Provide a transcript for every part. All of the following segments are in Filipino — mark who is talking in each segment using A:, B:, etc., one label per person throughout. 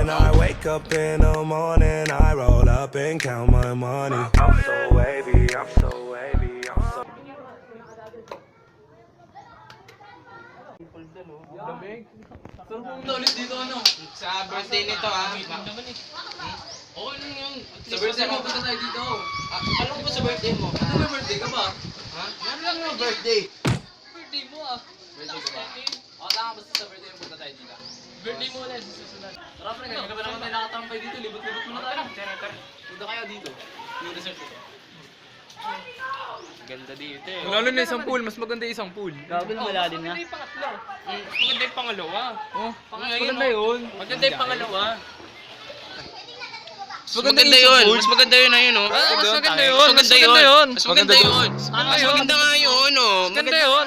A: When I wake up in the morning, I roll up and count my money. I'm so wavy, I'm so wavy, I'm so...
B: Ulit dito ano? Sa birthday nito Oo lang yung... Sa birthday mo, punta tayo dito. Alam ko ba sa birthday mo? Ano ba birthday ka ba? Ha? Ano lang yung birthday? Birthday mo Birthday ko ba? Tama basta sa birthday mo, punta tayo dito. Birthday mo ulit, susunod. Tara pre, kanina ba naman tayo nakatampay dito? Libot-libot muna tayo. Punta kayo dito. Yung resort dito. Ganda dito
C: Lalo na isang pool, mas maganda isang pool.
D: Grabe na malalim na.
B: Maganda yung pangatlo. Maganda yung pangalawa.
C: Maganda yun.
B: Maganda yung pangalawa.
C: Maganda yun.
B: Mas maganda yun na yun, oh.
C: Mas maganda yun.
B: Mas maganda yun.
C: Mas maganda yun.
B: Mas maganda nga yun, oh.
C: Maganda yun.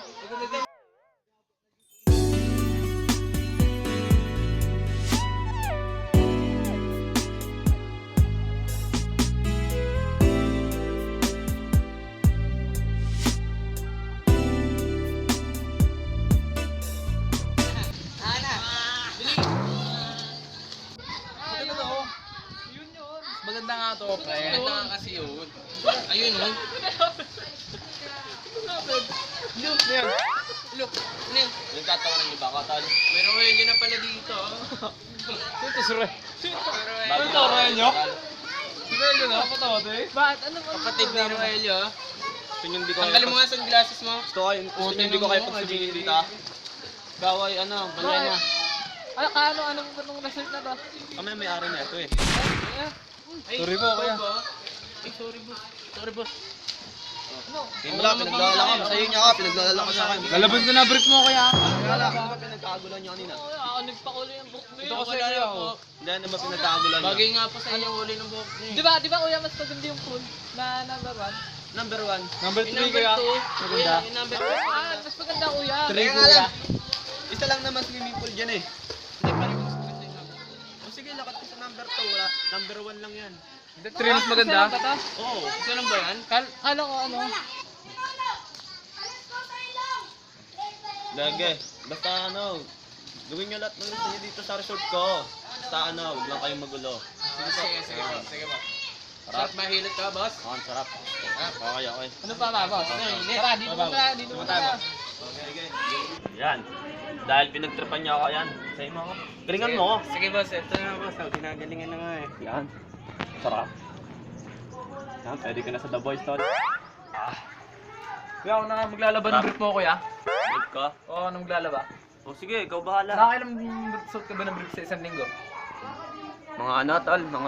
B: Maganda nga to, pre. Maganda nga kasi yun. Ayun, oh. Look. Look. Ano yun? Yung tatawanan niyo ba, Katal? Pero ngayon yun na pala dito.
C: Ito sure.
B: Ano
C: to, Roelio? Roelio na, patawa to eh.
B: Bakit? Ano ba? Kapatid ni Roelio.
D: Hindi ko
B: Tanggalin mo nga sunglasses mo.
D: hindi ko kayo pagsabihin dito. Gaway, banda niya.
B: Anong result na to?
D: Kami na may-ari na ito eh.
C: Sorry po, kuya.
B: Ay, sorry boss. Sorry boss.
D: Wala, pinaglalala ka. Sa'yo niya ka, pinaglalala ka sa akin.
C: Lalabas ko na brief mo, kuya.
D: Wala, pinagkagulan niyo kanina.
B: Ako nagpakulo yung book mo.
C: Ito kasi
B: Wala
C: kuya,
B: na po.
D: Hindi, ano ba pinagkagulan niyo?
B: Bagay nga po sa inyo uli ng book niyo.
E: Di ba kuya mas maganda yung pool na number 1?
D: Number 1.
C: Number 3, kuya.
B: Kuya, yung number 2.
E: Mas maganda kuya.
C: 3, kuya.
D: Isa lang naman swimming pool dyan eh.
B: Hindi pa rin mas maganda yung number.
D: O sige, lakat ko sa number 2. Wala. Number 1 lang yan.
C: 3 mas maganda.
D: Oo.
B: Isa lang ba yan?
E: Kala ko
D: Lagi. Basta gawin nyo lahat ng gusto nyo dito sa resort ko. Basta huwag lang kayong magulo.
B: Sige po. Sige po.
D: Sarap.
B: Sarap mahilot ka, boss.
D: Ang sarap. Okay.
E: Ano pa ba boss? Tara, dito mo tayo.
D: Okay. Yan. Dahil pinagtripan niya ako yan. Sa'yo mo ako. Galingan mo ako.
B: Sige boss, ito na boss. Ginagalingan na nga eh.
D: Yan. Sarap. Yan, pwede ka na sa The Boys, tol.
C: Kuya, ako na nga maglalaban ng brief mo, kuya.
D: Wait ka.
C: Oo, ano maglalaba?
D: O sige, ikaw bahala.
C: Nakakailang suit ka ba ng brief sa isang linggo?
D: Mga tol, mga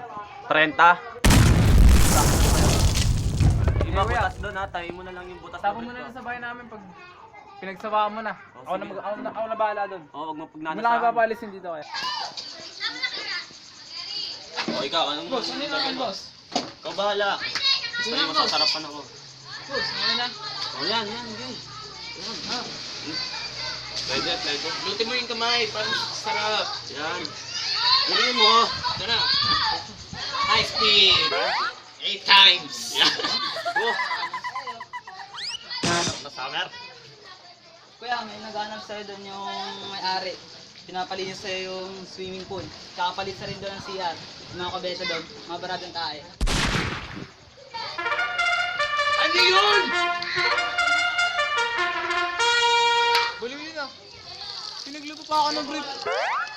D: 30. Iba
C: kuya.
D: butas doon ha, tayo mo na lang yung butas.
C: Tapos mo na lang sa bahay namin pag pinagsawaan mo na.
D: Oh,
C: Ako na bahala doon.
D: Oo, wag mo
C: Wala kang
D: pagnanasahan.
C: papalisin dito, kaya.
D: O ikaw, anong
E: Boss, ano naman boss?
D: Ikaw bahala. Gusto niyo masasarapan ako.
E: Boss, ano na?
D: O yan, sige. Yan. Pwede.
B: Lutin mo yung kamay para sarap.
D: Yan. Galingan mo.
B: Ito na. High speed. 8 times.
D: Oh. Sarap na summer.
E: Kuya, may naghanap sa'yo doon yung may-ari. Pinapalinis sa'yo yung swimming pool. Kakapalit sa rin doon ng CR. Yung mga kabeta doon, mga baratong tae.
B: Ano yun?
C: Baliw yun ah. Pinagluto pa ako ng brief.